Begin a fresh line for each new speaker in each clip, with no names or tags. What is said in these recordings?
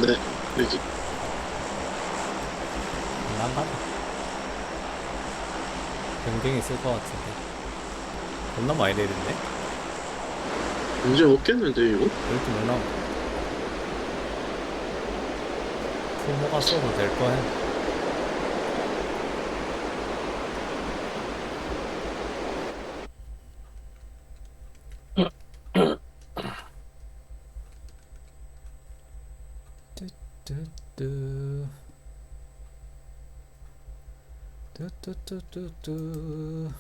네, 여기.
안 가다. 경쟁이 있을 것 같은데. 겁나 많이 내리는데?
문제 없겠는데, 이거?
이렇게 못 나와. 풀모가 써도 될 거야. 뚜뚜뚜 뚜뚜뚜뚜뚜.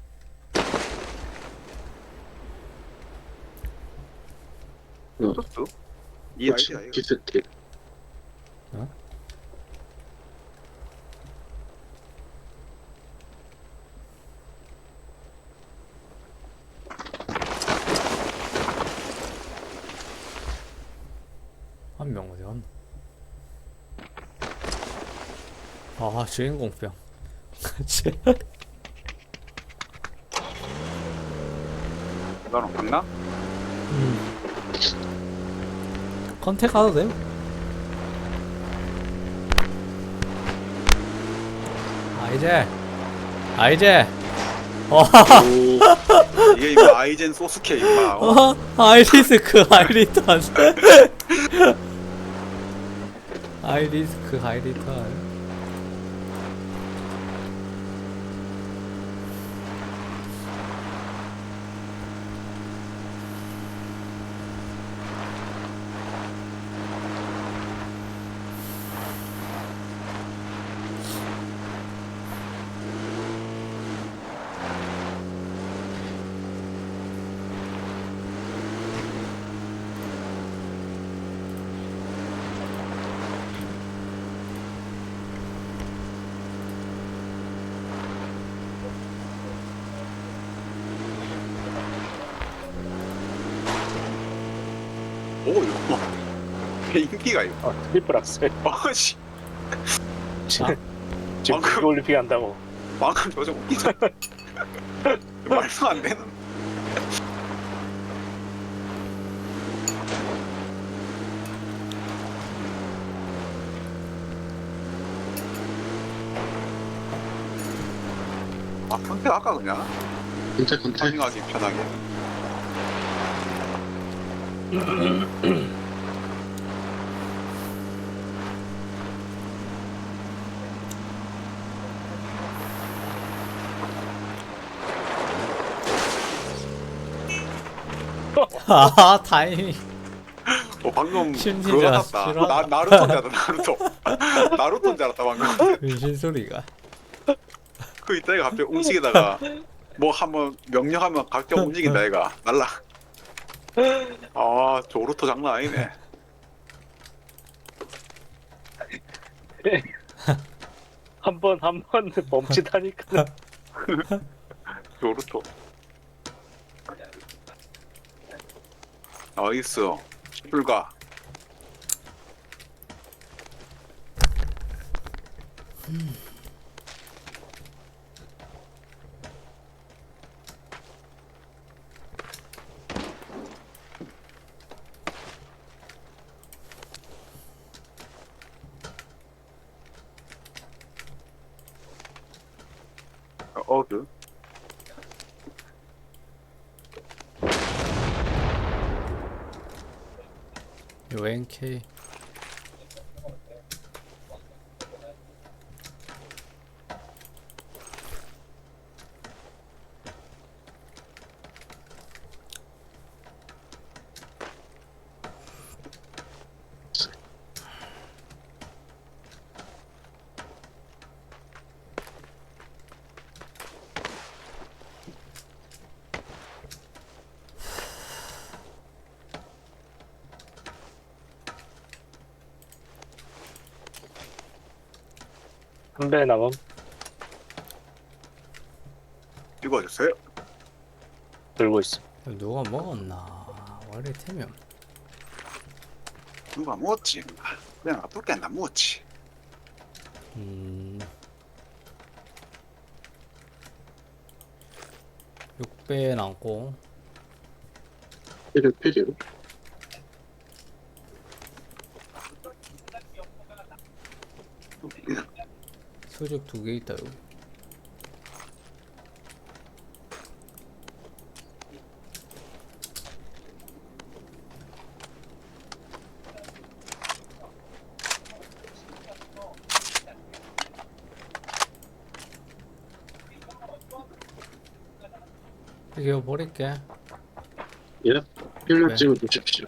소스? 이 아이디야 이거.
기스틱.
어? 한 명 어디 갔나? 아, 주인공병.
너는 갔나?
컨택 가도 돼요? 이제
오,
이게 임마 아이젠 소스케 임마.
하이리스크 하이리턴. 하이리스크 하이리턴.
오 이거 뭐. 이게 인기가 이거.
트리플 악셀.
아씨.
지금
방금-
그거 올림픽 한다고.
방금 저저 웃기잖아. 말도 안 되는. 아 선택 아까 그냥
컨택.
타밍하기 편하게.
아, 타이밍.
방금
심지어
그거 같았다.
싫어한다.
나루토인 줄 알았다. 나루토인 줄 알았다 방금.
분신 소리가.
그 이따 가 갑자기 움직이다가 뭐 한번 명령하면 갑자기 움직인다 얘가 날라. 아 조루토 장난 아니네.
한 번 멈칫하니까.
조루토. 나이스. 불가. 어그.
요 NK.
한 배 남음.
찍어주세요.
들고 있어.
누가 먹었나? 원래 템이 없네.
누가 먹었지? 그냥 놔둘게 나 먹었지.
6배 남고.
필요.
수직 2개 있다 여기. 이거 버릴게.
예. 필름
네.
찍어 주십시오.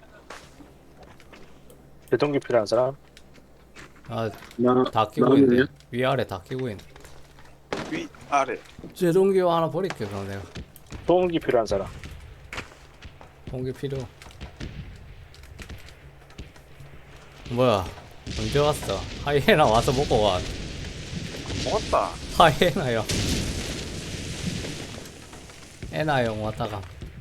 제동기 필요한 사람?
아,
나
다 끼고
나는요?
있네. 위아래 다 끼고 있네.
위 아래.
제동기 하나 버릴게 그럼 내가.
소음기 필요한 사람?
동기 필요. 뭐야? 언제 왔어? 하이에나 와서 먹고 가.
먹었다.
하이에나 형. 에나 형 왔다가.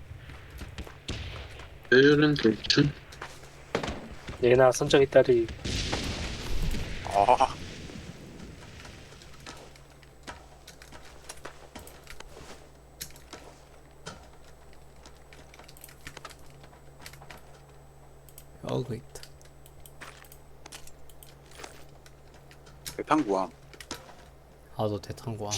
배율은 대충.
얘나 선정이 딸이
아,
여기 있다.
대탄구함.
나도 대탄구함.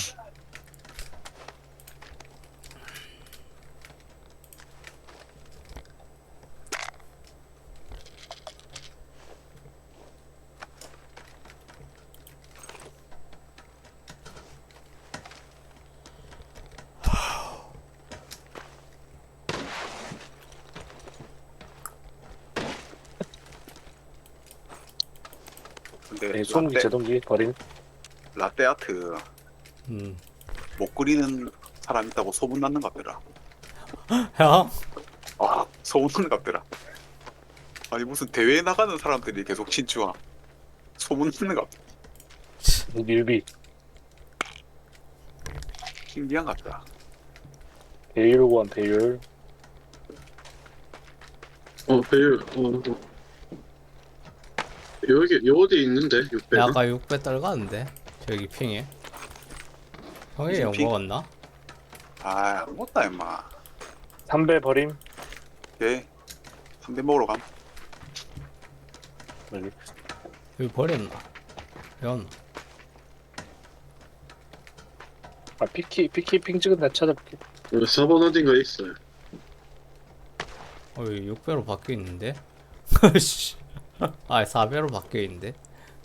근데
네, 소음기 제동기 버린.
라떼아트
음.
못 그리는 사람 있다고 소문 났는 것 같더라.
형?
아, 소문 났는 것 같더라. 아니 무슨 대회에 나가는 사람들이 계속 친추함. 소문 났는 것 같아.
밀비.
신기한 것 같다.
배율 배율.
배율. 여기 어디 있는데
야,
600.
아까 6배 떨갔는데? 저기 핑에. 형이
무슨
영
핑?
먹었나?
아, 안 먹었다 임마.
3배 버림.
오케이. 3대 먹으러 감.
여기.
여기 버렸나? 연.
아 피키 핑 찍은 데 찾아볼게.
여기 4번 어딘가 있어요.
여기 6배로 바뀌어 있는데? 씨. 아, 4배로 바뀌어 있는데?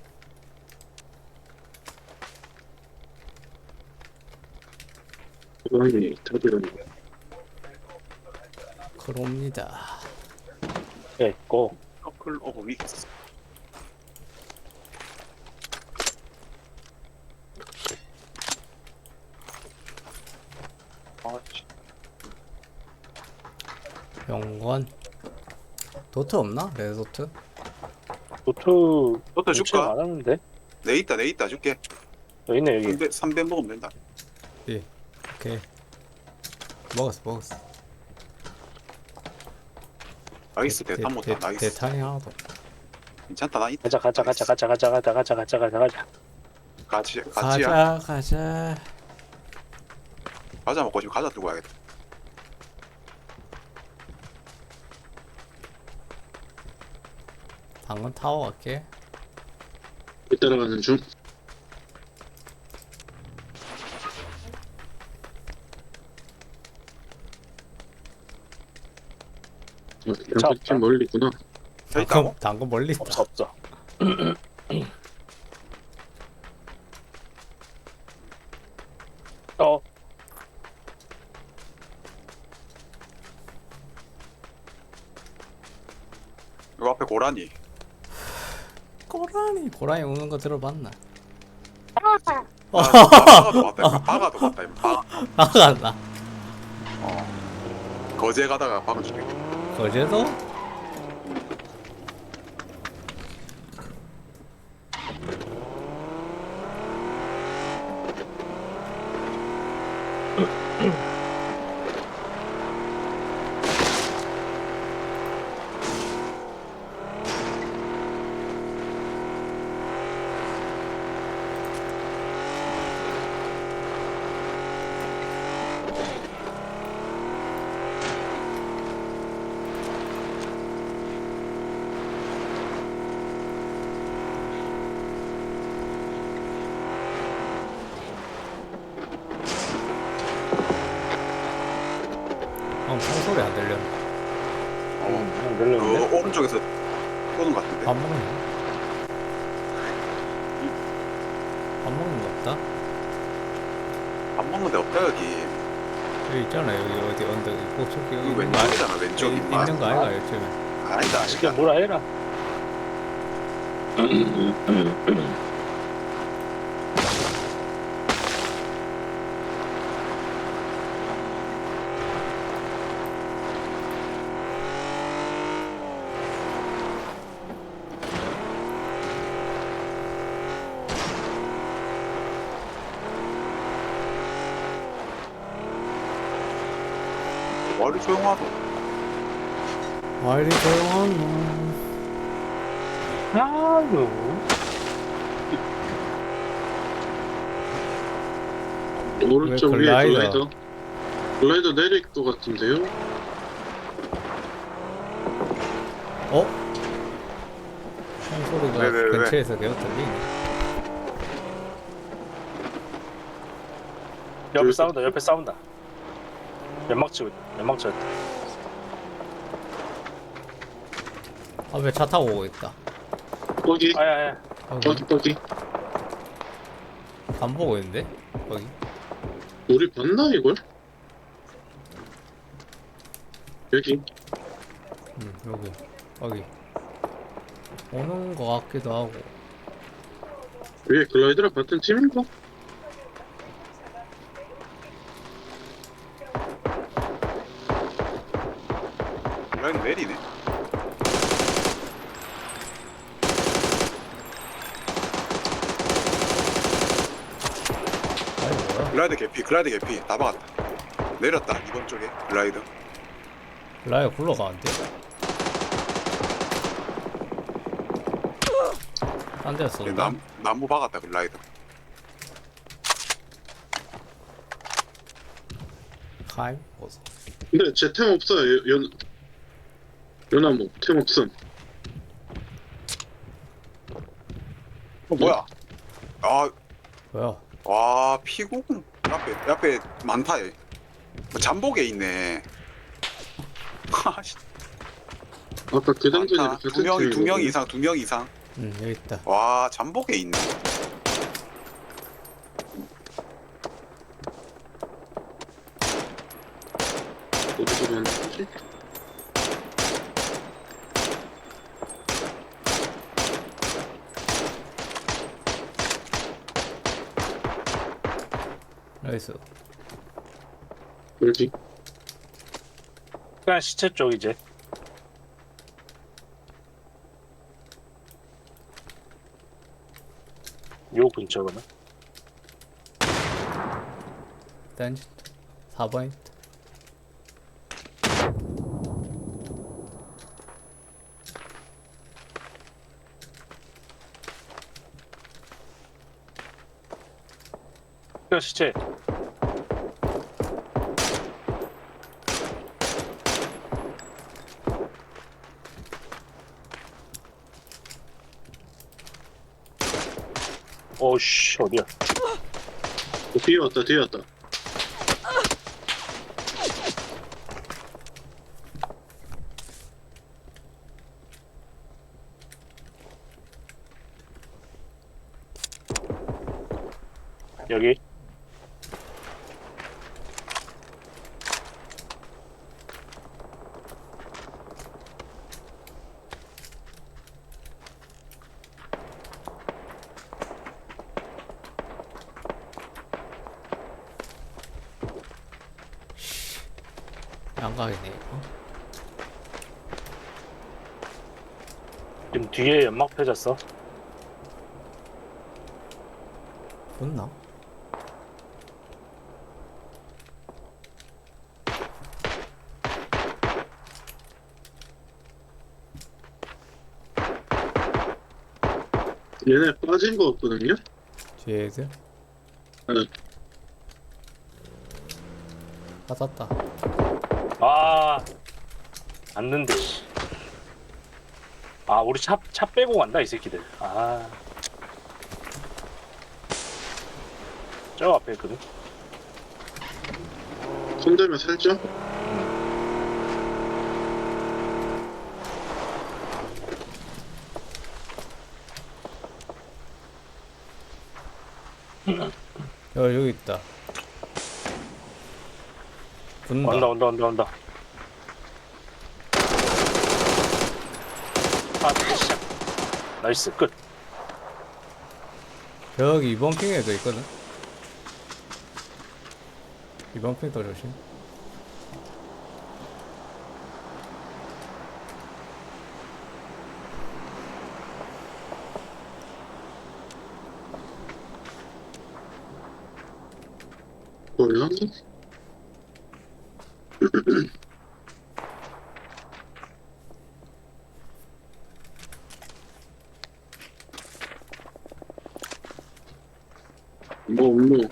고양이 다들
그럽니다.
네, 고.
커플 오브 윅스. 아, 씨.
병건. 도트 없나? 레드도트?
노트
너도 줄까?
안 하는데?
내 있다 줄게.
여기 있네 여기.
3배 먹으면 된다.
예. 오케이. 먹었어.
나이스 대탄 못다. 나이스.
대탄이 하나도.
괜찮다. 나 있다.
가자.
가지야. 과자 먹고 지금 과자 들고 가야겠다.
당근 타워 갈게.
따라가는 중. 양쪽 좀 멀리 있구나.
저 있다고?
당근 멀리 있다.
없어.
요 앞에 고라니.
고라니 우는 거 들어봤나?
바가도 왔다. 바가도 왔다. 바.
나갔나?
거제 가다가 박은 죽게.
거제도? 소리 안 들려.
늘렸는데?
오른쪽에서 쏘는 것 같은데.
밥 먹는 밥 먹는 거 없다?
밥 먹는 데 없다 여기.
여기 있잖아. 여기 어디 언덕 꼭저기
여기
있는 거 아니-
왼쪽이잖아 왼쪽.
있는 거 아이가 요즘에.
아니다
쉽게
아니다.
뭐라 해라.
머리 조용하고.
말이 조용한
아유.
오른쪽
왜
위에
글라이더?
글라이더 내릴 것 같은데요?
어? 총 소리가
왜?
근처에서 계속 들리네.
옆에 싸운다. 옆에 싸운다. 연막 치고 있다. 연막 쳤다.
앞에 차 타고 오고 있다.
거기
아야야.
거기
안 보고 있는데? 거기?
우리 봤나 이걸? 여기
응, 여기. 거기. 오는 거 같기도 하고.
위에 글라이더랑 같은 팀인가?
라인 내리네.
아니, 뭐야?
글라이드 개피 다 박았다. 내렸다 이번 쪽에 글라이드.
라이어 굴러가는데? 딴 데서 쏜다?
나무 박았다 글라이드.
카이? 어서.
근데 제 템 없어요. 연나무 템 없음.
뭐야? 아,
뭐야?
와 피구공 앞에 많다. 얘. 뭐 잠복에 있네. 하씨,
아까 그 당전이랑
많다.
같은 팀인
두 명 이상, 2명 이상.
응, 여기 있다.
와 잠복에 있네.
어디서 만난 거지?
나이스.
여기
그냥 시체 쪽 이제. 요 근처거든.
딴지 4번.
그냥 시체. 오씨 어디야?
뒤에 왔다.
여기.
양각이네. 어?
지금 뒤에 연막 펴졌어.
붙나?
얘네 빠진 거 같거든요?
뒤에 애들?
네.
받았다.
아, 안는데. 씨. 아, 우리 차 빼고 간다 이 새끼들. 아, 저 앞에 있거든.
손대면 살죠?
여기 있다. 붙는다.
온다. 아, 진짜. 나이스, 끝.
여기 이번 핑에도 있거든. 이번 핑도 조심.
뭐야? 뭐 없노?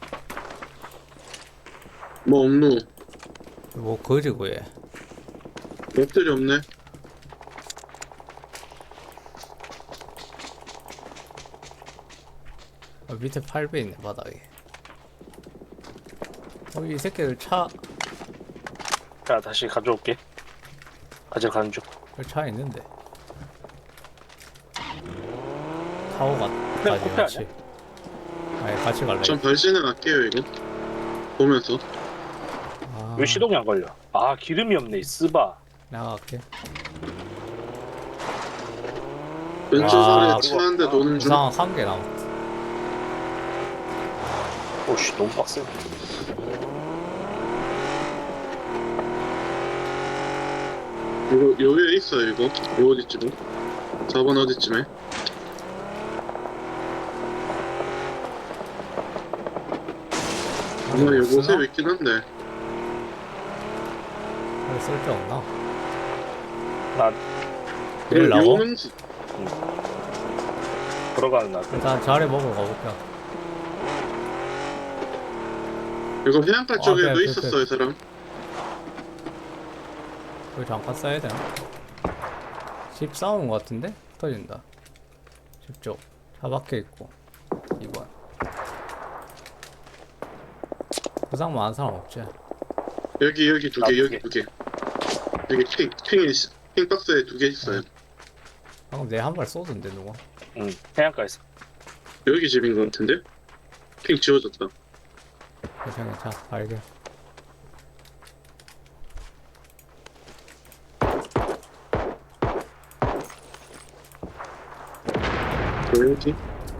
뭐 없노?
뭐 거지고 얘.
맵들이 없네.
밑에 8배 있네 바닥에. 이 새끼들 차
자, 다시 가져올게. 가져가는 중.
차 있는데. 타고 가지
코페
같이. 아니 같이 갈래.
전 발진은 할게요 이거. 보면서.
아,
왜 시동이 안 걸려? 아, 기름이 없네, 이 쓰바.
내가 갈게.
왼쪽
아,
아래 차 한 대 도는 중.
부상 한 개 남았다.
오씨, 너무 빡세.
이거 여기에 있어요 이거. 이거 어디쯤에? 4번 어디쯤에? 아마 요곳에 있긴 한데.
쓸데없나?
나
내리려고?
요는지
들어가는 날.
일단 자리 먹으러 가볼까.
이거 해안가 쪽에도
그래,
있었어요 사람.
여기 잠깐 써야 되나? 집 싸우는 것 같은데? 터진다. 집 쪽. 차 밖에 있고. 2번. 부상 많은 사람 없지?
여기 두
아,
개,
두
여기
개.
두 개. 여기 핑 박스에 2개 있어요.
방금 내 한 발 쏘던데 누가?
응, 해안가에서.
여기 집인 것 같은데? 핑 지워졌다.
괜찮아. 발견.
여기?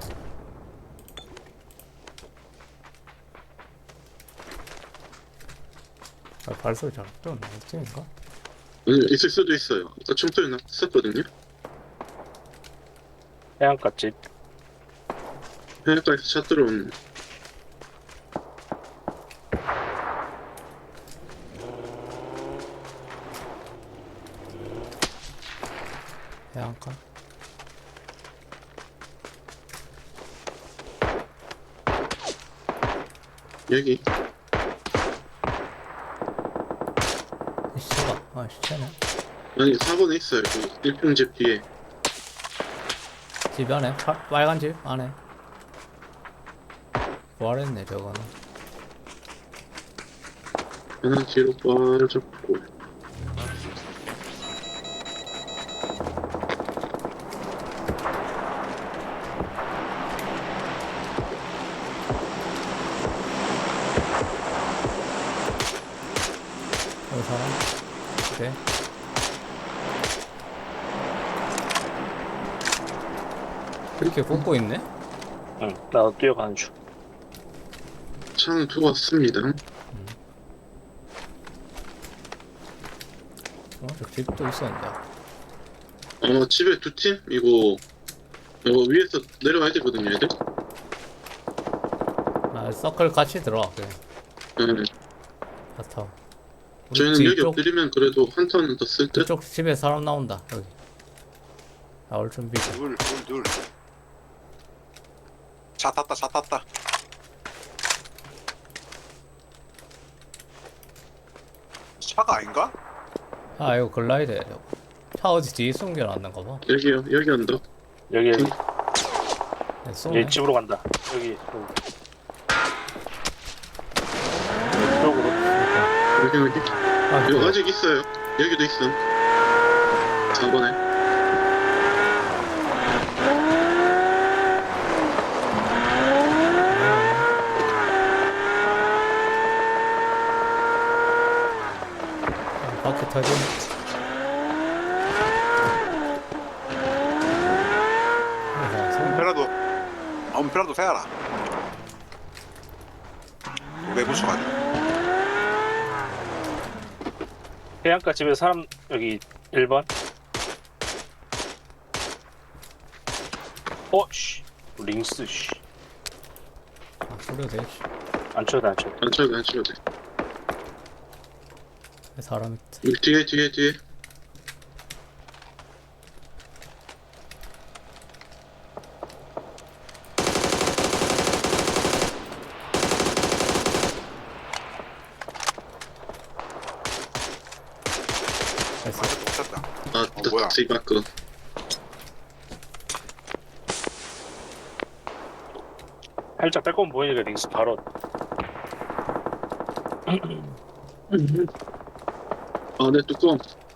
발소리 잘 또 나왔지인가?
아니, 있을 수도 있어요. 아까 총소리 났었거든요.
해안가 집.
해안가에서 차 들어오는.
해안가?
여기.
시체가. 아 시체네.
아니 4번에 있어요. 그 1평집 뒤에.
집 안에? 빨간 집 안에. 부활했네 저거는.
하나 뒤로 빠졌고.
여기 사람? 오케이. 이렇게 꽂고 있네?
응, 나도 뛰어가는 중.
차는 두고 왔습니다.
저 집도 있었는데.
아마 집에 두 팀? 이거 위에서 내려와야 되거든요 얘들.
아 서클 같이 들어와 그냥.
네.
바타.
저희는 여기 엎드리면 그래도 한 턴은 더 쓸 듯?
이쪽 집에 사람 나온다 여기. 나올 준비.
둘. 차 탔다. 차가 아닌가?
아 이거 글라이드야 저거. 차 어디 뒤에 숨겨놨는가 봐.
여기요. 여기 언덕.
여기
네, 쏘네.
얘 집으로 간다. 여기. 이쪽으로.
여기.
아,
이거
그래.
아직 있어요. 여기도 있음. 4번에.
터진.
엄폐라도 엄폐라도 세야라. 왜 부셔가지고.
해안가 집에 사람 여기 1번. 씨. 링스 씨.
아, 소리도 돼. 씨.
안 쳐도 안 쳐도.
안 쳐도 안 쳐도 돼.
사람 있다.
여기 뒤에.
됐어.
맞아 못 쳤다.
아,
뭐야?
닥스이바크.
살짝 빼꼼 보이니까 링스 바로.
아, 내 뚜껑.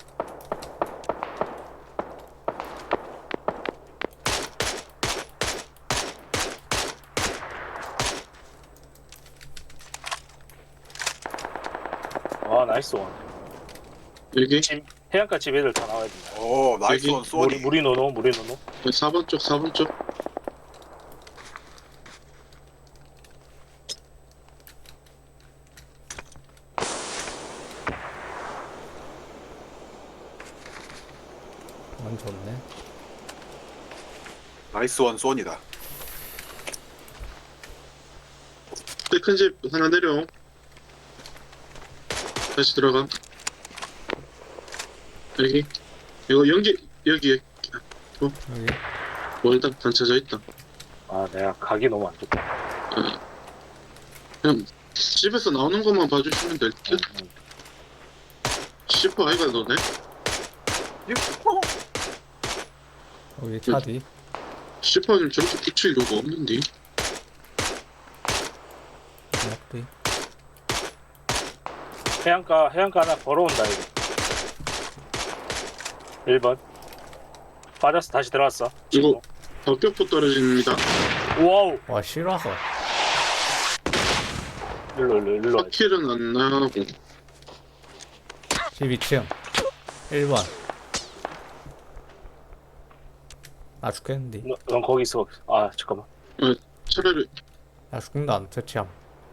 아 나이스 원.
여기
집 해안가 집 애들 다 나와야 된다.
오 나이스
여기
원 쏘니.
무리 노노.
4번 쪽.
원 좋네.
나이스 원 쏘니다.
큰 집 하나 내려. 다시 들어가. 여기. 이거 여기.
여기.
일단 단차져 있다.
아 내가 각이 너무 안 좋다.
그냥 집에서 나오는 것만 봐주시면 될 듯. 슈퍼 아이가 너네?
여기 차 뒤.
슈퍼는 저렇게 붙일 이유가 없는데.
앞뒤.
해안가 하나 걸어온다 여기. 1번. 빠졌어. 다시 들어왔어.
이거 박격포 떨어집니다.
와우.
와 싫어서.
일로 와.
파킬은 안 나고.
12층 1번. 나 죽겠는데.
넌 거기 있어. 아 잠깐만.
차라리
나 죽는다 안 퇴치함.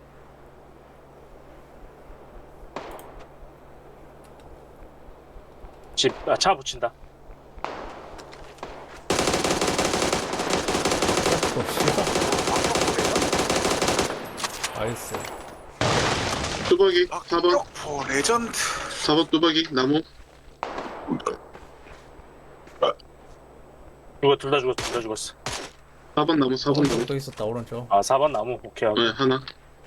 차 붙인다.
또 싫어. 나이스.
뚜벅이 4번
박격포 레전드.
4번 뚜벅이 나무.
이거 둘 다 죽었어.
4번 나무 4번 나무.
오른쪽 또 있었다 오른쪽.
아 4번 나무. 오케이 하고.
네 하나.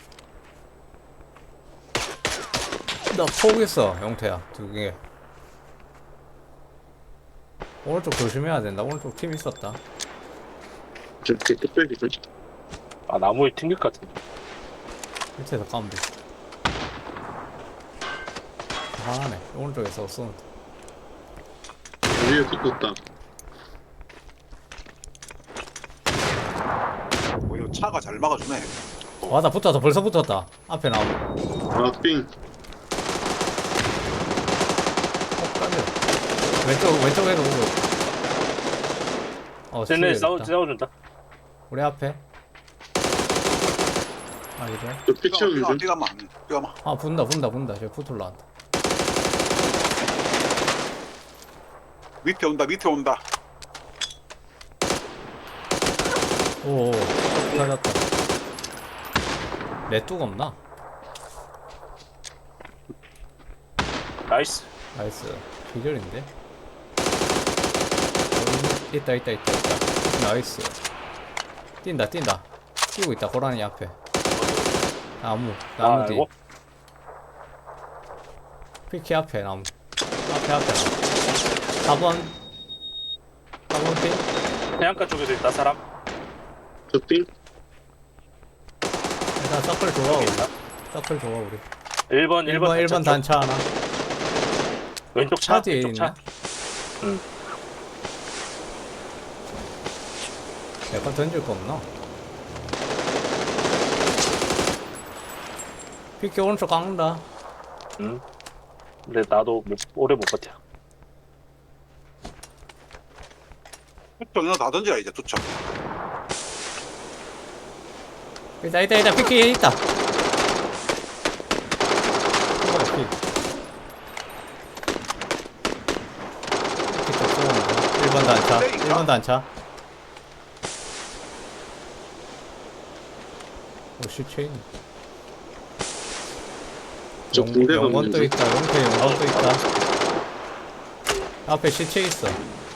나 포기했어 영태야 2개. 오른쪽 조심해야 된다. 오른쪽 팀 있었다.
저렇게 뚝배기 좀.
아 나무에 튕길 것 같은데.
밑에서 까면 돼. 하나네. 오른쪽에서 쏘는데.
위에 붙었다.
오히려 차가 잘 막아주네.
와 나 붙었다. 벌써 붙었다. 앞에 나오고.
아삥
깔려. 왼쪽에도 오고.
쟤네
스틸 있다.
싸워준다.
우리 앞에. 아 이제.
저 피치형 좀.
뛰가마.
아 분다. 저 붙을라 한다.
밑에 온다.
오. 터졌다. 내 뚝 없나?
나이스.
나이스. 기절인데. 있다. 나이스. 뛴다. 뛰고 있다. 고라니 앞에. 나무 뒤.
아이고.
피키 앞에 나무. 앞에 4번 팀.
해안가 쪽에도 있다 사람.
저삥
일단 서클 좋아 우리.
있나?
서클 좋아 우리.
1번
단차 하나.
왼쪽 차.
차 뒤에
왼쪽
있나?
차. 응.
약간 던질 거 없나? 피키 오른쪽 깎는다.
응. 근데 나도 오래 못 버텨.
투척 다 던지라 이제 투척.
있다 피키 있다. 피 1번도 안 차. 1번도 안 차. 오씨 체인.
저 군대 가면
영건 또
되지.
있다. 용태 영건 또 있다. 앞에 시체 있어.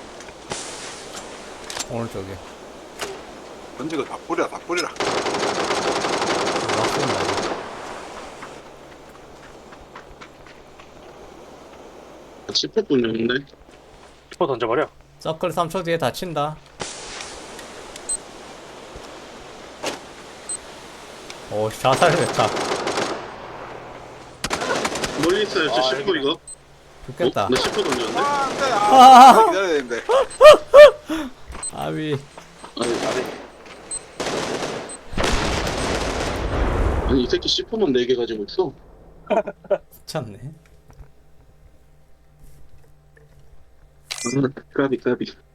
오른쪽에.
던지고 다 뿌리라 다 뿌리라.
막 쏜다.
아, 10분이었는데.
슈퍼 던져버려.
서클 3초 뒤에 다친다. 오, 자살했다.
멀리 있어요. 저
아,
10분
여기네.
이거.
죽겠다.
나 10분 던졌는데.
아 안돼.
아.
아 기다려야 되는데.
아비.
아니 이 새끼 10분만 4개 가지고 있어.
미쳤네.
아, 까비.